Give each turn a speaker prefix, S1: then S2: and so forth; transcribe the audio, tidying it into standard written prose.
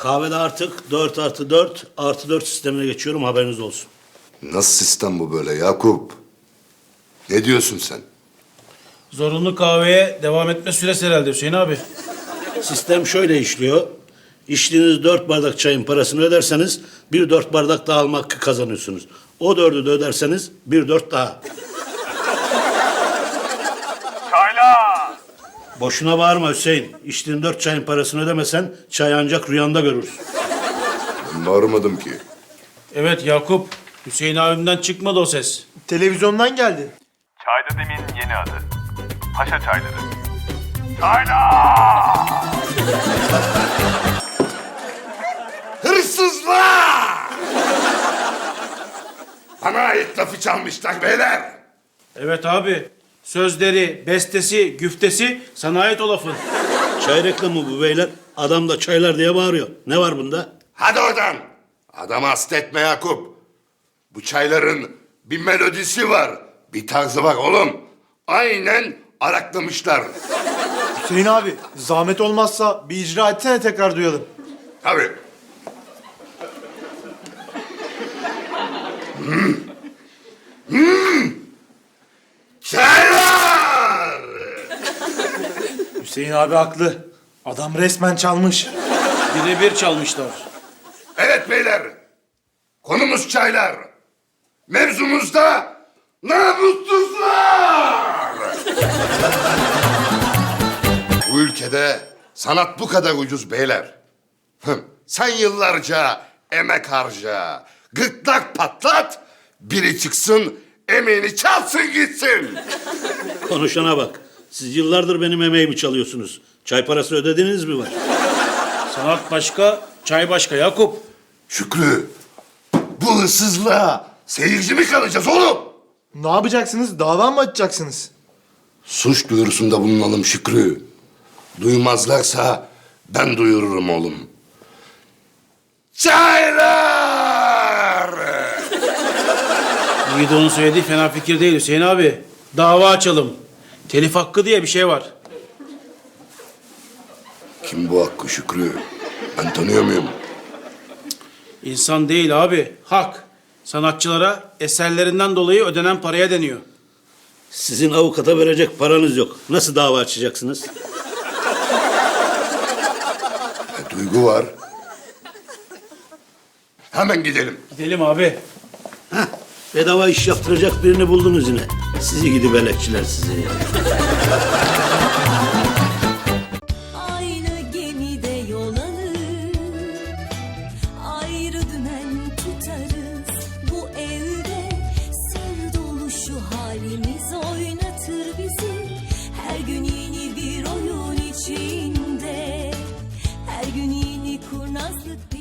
S1: Kahvede artık 4+4+4 sistemine geçiyorum, haberiniz olsun.
S2: Nasıl sistem bu böyle Yakup? Ne diyorsun sen?
S3: Zorunlu kahveye devam etme süresi herhalde Hüseyin abi.
S1: Sistem şöyle işliyor. İçtiğiniz 4 bardak çayın parasını öderseniz bir 4 bardak daha alma hakkı kazanıyorsunuz. O 4'ü de öderseniz bir 4 daha.
S4: Çaylar!
S1: Boşuna bağırma Hüseyin. İçtiğin 4 çayın parasını ödemesen çay ancak rüyanda görürsün.
S2: Ben bağırmadım ki.
S3: Evet Yakup, Hüseyin abimden çıkmadı o ses.
S5: Televizyondan geldi.
S4: Çayda demin yeni adı. Paşa çayları. Çaylar!
S2: Hırsızlar! Bana ait lafı çalmışlar beyler.
S3: Evet abi, sözleri, bestesi, güftesi sana ait o lafın.
S1: Çay reklamı bu beyler. Adam da çaylar diye bağırıyor. Ne var bunda?
S2: Hadi oradan. Adamı hasta etme Yakup. Bu çayların bir melodisi var. Bir tarzı var oğlum. Aynen araklamışlar.
S5: Hüseyin abi, zahmet olmazsa bir icra etsene, tekrar duyalım.
S2: Tabii. Çaylar!
S5: Hüseyin abi haklı. Adam resmen çalmış.
S3: Birebir çalmışlar.
S2: Evet beyler. Konumuz çaylar. Mevzumuz da namussuzlar. Bu ülkede sanat bu kadar ucuz beyler. Sen yıllarca emek harca, gırtlak patlat, biri çıksın emeğini çalsın gitsin.
S1: Konuşana bak. Siz yıllardır benim emeğimi çalıyorsunuz. Çay parası ödediniz mi var?
S3: Sanat başka, çay başka Yakup.
S2: Şükrü, bu hırsızlığa seyirci mi kalacağız oğlum?
S5: Ne yapacaksınız? Dava mı açacaksınız?
S2: Suç duyurusunda bulunalım Şükrü. Duymazlarsa ben duyururum oğlum. Çaylar!
S3: Yiğido'nun söylediği fena fikir değil Hüseyin abi. Dava açalım. Telif hakkı diye bir şey var.
S2: Kim bu Hakkı Şükrü? Ben tanıyor muyum?
S3: İnsan değil abi, hak. Sanatçılara eserlerinden dolayı ödenen paraya deniyor.
S1: Sizin avukata verecek paranız yok. Nasıl dava açacaksınız?
S2: Duygu var. Hemen gidelim.
S3: Gidelim abi.
S1: Heh, bedava iş yaptıracak birini buldunuz yine. Sizi gidi belekçiler sizi.
S6: Aynı gemide yol alır, ayrı dümen tutarız. Bu evde sır dolu şu halimiz oynatır bizi. Her gün yeni bir oyun içinde, her gün yeni kurnazlık.